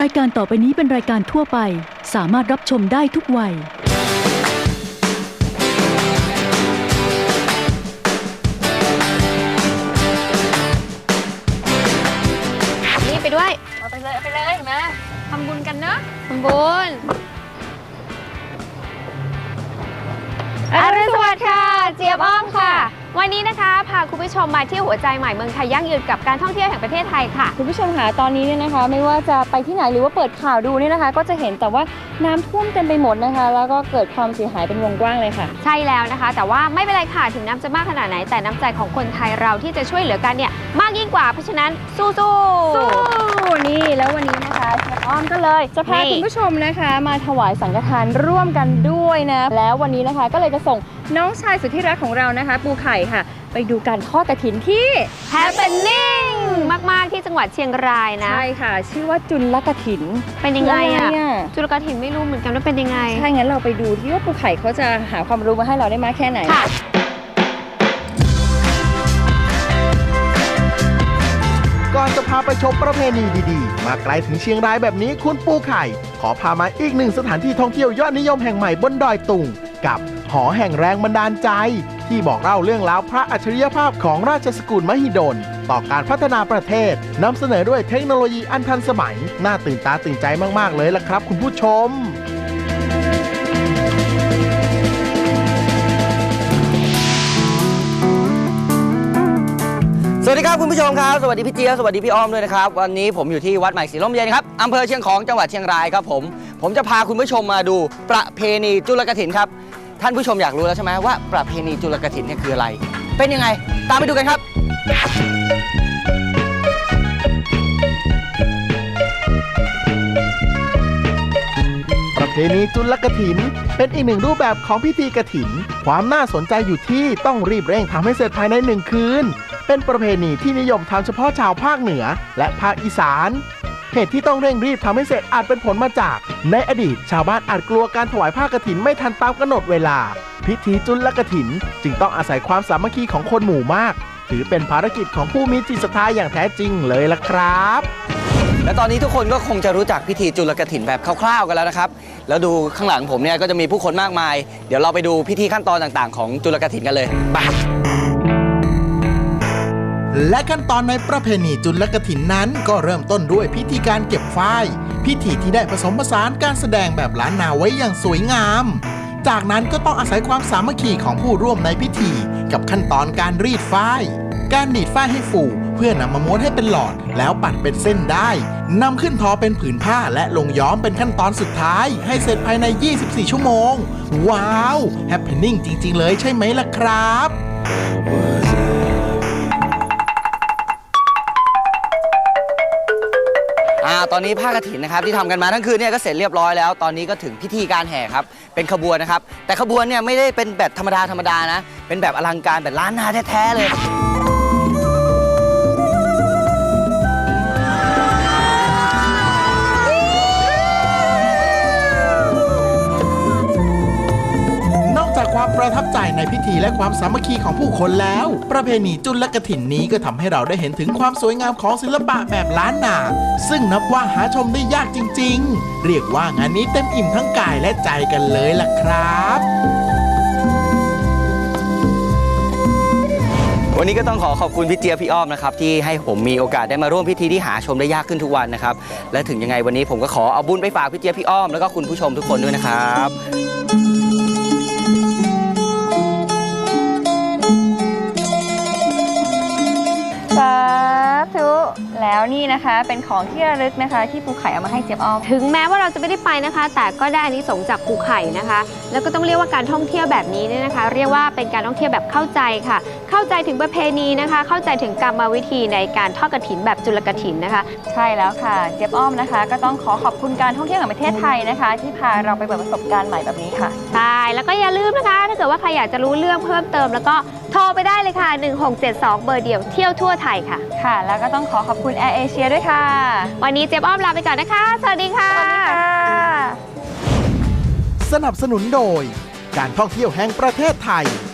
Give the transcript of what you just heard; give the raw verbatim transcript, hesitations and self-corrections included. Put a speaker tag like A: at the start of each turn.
A: รายการต่อไปนี้เป็นรายการทั่วไปสามารถรับชมได้ทุกวัย
B: นี่ไปด้วยเอาไปเลยเอาไปเลยมาทำบุญกันเนอะทำบุญอรุณสวัสดิ์ค่ะเจี๊ยบอ้อมค่ะวันนี้นะคะพาคุณผู้ชมมาเที่ยวหัวใจใหม่เมืองไทยยั่งยืนกับการท่องเที่ยวแห่งประเทศไทยค่ะ
C: คุณผู้ชมค่ะตอนนี้เนี่ยนะคะไม่ว่าจะไปที่ไหนหรือว่าเปิดข่าวดูเนี่ยนะคะก็จะเห็นแต่ว่าน้ำท่วมเต็มไปหมดนะคะแล้วก็เกิดความเสียหายเป็นวงกว้างเลยค่ะ
B: ใช่แล้วนะคะแต่ว่าไม่เป็นไรค่ะถึงน้ำจะมากขนาดไหนแต่น้ำใจของคนไทยเราที่จะช่วยเหลือกันเนี่ยมากยิ่งกว่าเพราะฉะนั้นสู้สู้
C: สู้นี่แล้ววันนี้นะคะเจี๊ยบอ้อมก็เลยจะพาคุณผู้ชมนะคะมาถวายสังฆทานร่วมกันด้วยนะแล้ววันนี้นะคะก็เลยจะส่งน้องชายสุดที่รักของเรานะคะปูไข่ค่ะไปดูการทอดกฐินที่
B: Happening มากๆที่จังหวัดเชียงรายนะ
C: ใช่ค่ะชื่อว่าจุลกฐิน
B: เป็นยังไงอะจุลกฐินไม่รู้เหมือนกันว่าเป็นยังไง
C: ใช่งั้นเราไปดูที่ว่าปูไข่เขาจะหาความรู้มาให้เราได้มากแค่ไหน
B: ค่ะ
D: ก่อนจะพาไปชมประเพณีดีๆมาไกลถึงเชียงรายแบบนี้คุณปูไข่ขอพามาอีกหนึ่งสถานที่ท่องเที่ยวยอดนิยมแห่งใหม่บนดอยตุงกับหอแห่งแรงบันดาลใจที่บอกเล่าเรื่องราวพระอัจฉริยภาพของราชสกุลมหิดลต่อการพัฒนาประเทศนำเสนอด้วยเทคโนโลยีอันทันสมัยน่าตื่นตาตื่นใจมากๆเลยล่ะครับคุณผู้ชม
E: สวัสดีครับคุณผู้ชมครับสวัสดีพี่เจี๊ยบสวัสดีพี่อ้อมด้วยนะครับวันนี้ผมอยู่ที่วัดใหม่ศรีลมเย็นครับอำเภอเชียงของจังหวัดเชียงรายครับผมผมจะพาคุณผู้ชมมาดูประเพณีจุลกฐินครับท่านผู้ชมอยากรู้แล้วใช่ไหมว่าประเพณีจุลกฐินเนี่ยคืออะไรเป็นยังไงตามไปดูกันครับ
D: ประเพณีจุลกฐินเป็นอีกหนึ่งรูปแบบของพิธีกฐินความน่าสนใจอยู่ที่ต้องรีบเร่งทำให้เสร็จภายในหนึ่งคืนเป็นประเพณีที่นิยมทำเฉพาะชาวภาคเหนือและภาคอีสานเหตุที่ต้องเร่งรีบทำให้เสร็จอาจเป็นผลมาจากในอดีตชาวบ้านอาจกลัวการถวายผ้ากฐินไม่ทันตามกำหนดเวลาพิธีจุลกฐินจึงต้องอาศัยความสามัคคีของคนหมู่มากถือเป็นภารกิจของผู้มีจิตศรัทธาอย่างแท้จริงเลยล่ะครับ
E: และตอนนี้ทุกคนก็คงจะรู้จักพิธีจุลกฐินแบบคร่าวๆกันแล้วนะครับแล้วดูข้างหลังผมเนี่ยก็จะมีผู้คนมากมายเดี๋ยวเราไปดูพิธีขั้นตอนต่างๆของจุลกฐินกันเลยไป
D: และขั้นตอนในประเพณีจุลกฐินนั้นก็เริ่มต้นด้วยพิธีการเก็บฝ้ายพิธีที่ได้ผสมผสานการแสดงแบบล้านนาไว้อย่างสวยงามจากนั้นก็ต้องอาศัยความสามัคคีของผู้ร่วมในพิธีกับขั้นตอนการรีดฝ้ายการหนีดฝ้ายให้ฟูเพื่อนำมาม้วนให้เป็นหลอดแล้วปัดเป็นเส้นได้นำขึ้นทอเป็นผืนผ้าและลงย้อมเป็นขั้นตอนสุดท้ายให้เสร็จภายในยี่สิบสี่ชั่วโมงว้าวแฮปปี้นิ่งจริงๆเลยใช่ไหมล่ะครับ
E: ตอนนี้ผ้ากฐินนะครับที่ทำกันมาทั้งคืนเนี่ยก็เสร็จเรียบร้อยแล้วตอนนี้ก็ถึงพิธีการแห่ครับเป็นขบวนนะครับแต่ขบวนเนี่ยไม่ได้เป็นแบบธรรมดาธรรมดานะเป็นแบบอลังการแบบล้านนาแท้ๆเลย
D: ความประทับใจในพิธีและความสามัคคีของผู้คนแล้วประเพณีจุลกฐินนี้ก็ทำให้เราได้เห็นถึงความสวยงามของศิลปะแบบล้านนาซึ่งนับว่าหาชมได้ยากจริงๆเรียกว่างานนี้เต็มอิ่มทั้งกายและใจกันเลยล่ะครับ
E: วันนี้ก็ต้องขอขอบคุณพี่เจี๊ยบพี่อ้อมนะครับที่ให้ผมมีโอกาสได้มาร่วมพิธีที่หาชมได้ยากขึ้นทุกวันนะครับและถึงยังไงวันนี้ผมก็ขอเอาบุญไปฝากพี่เจี๊ยบพี่อ้อมแล้วก็คุณผู้ชมทุกคนด้วยนะครับ
C: สาธุแล้วนี่นะคะเป็นของที่ระลึกนะคะที่ปูไข่เอามาให้เจี๊ยบอ้อม
B: ถึงแม้ว่าเราจะไม่ได้ไปนะคะแต่ก็ได้อานิสงส์จากปูไข่นะคะแล้วก็ต้องเรียกว่าการท่องเที่ยวแบบนี้เนี่ยนะคะเรียกว่าเป็นการท่องเที่ยวแบบเข้าใจค่ะเข้าใจถึงประเพณีนะคะเข้าใจถึงกรรมวิธีในการทอดกฐินแบบจุลกฐินนะคะ
C: ใช่แล้วค่ะเจี๊ยบอ้อมนะคะก็ต้องขอขอบคุณการท่องเที่ยวแห่งประเทศไทยนะคะที่พาเราไปเปิดประสบการณ์ใหม่แบบนี้ค่ะ
B: ใช่แล้วก็อย่าลืมนะคะถ้าเกิดว่าใครอยากจะรู้เรื่องเพิ่มเติมแล้วก็โทรไปได้เลยค่ะหนึ่งหกเจ็ดสองเบอร์เดียวเที่ยวทั่วไทยค่ะ
C: ค่ะแล้วก็ต้องขอขอบคุณแอร์เอเชียด้วยค่ะ
B: วันนี้เจี๊ยบอ้อมลาไปก่อนนะคะสวัสดีค่ะ
D: สนับสนุนโดยการท่องเที่ยวแห่งประเทศไทย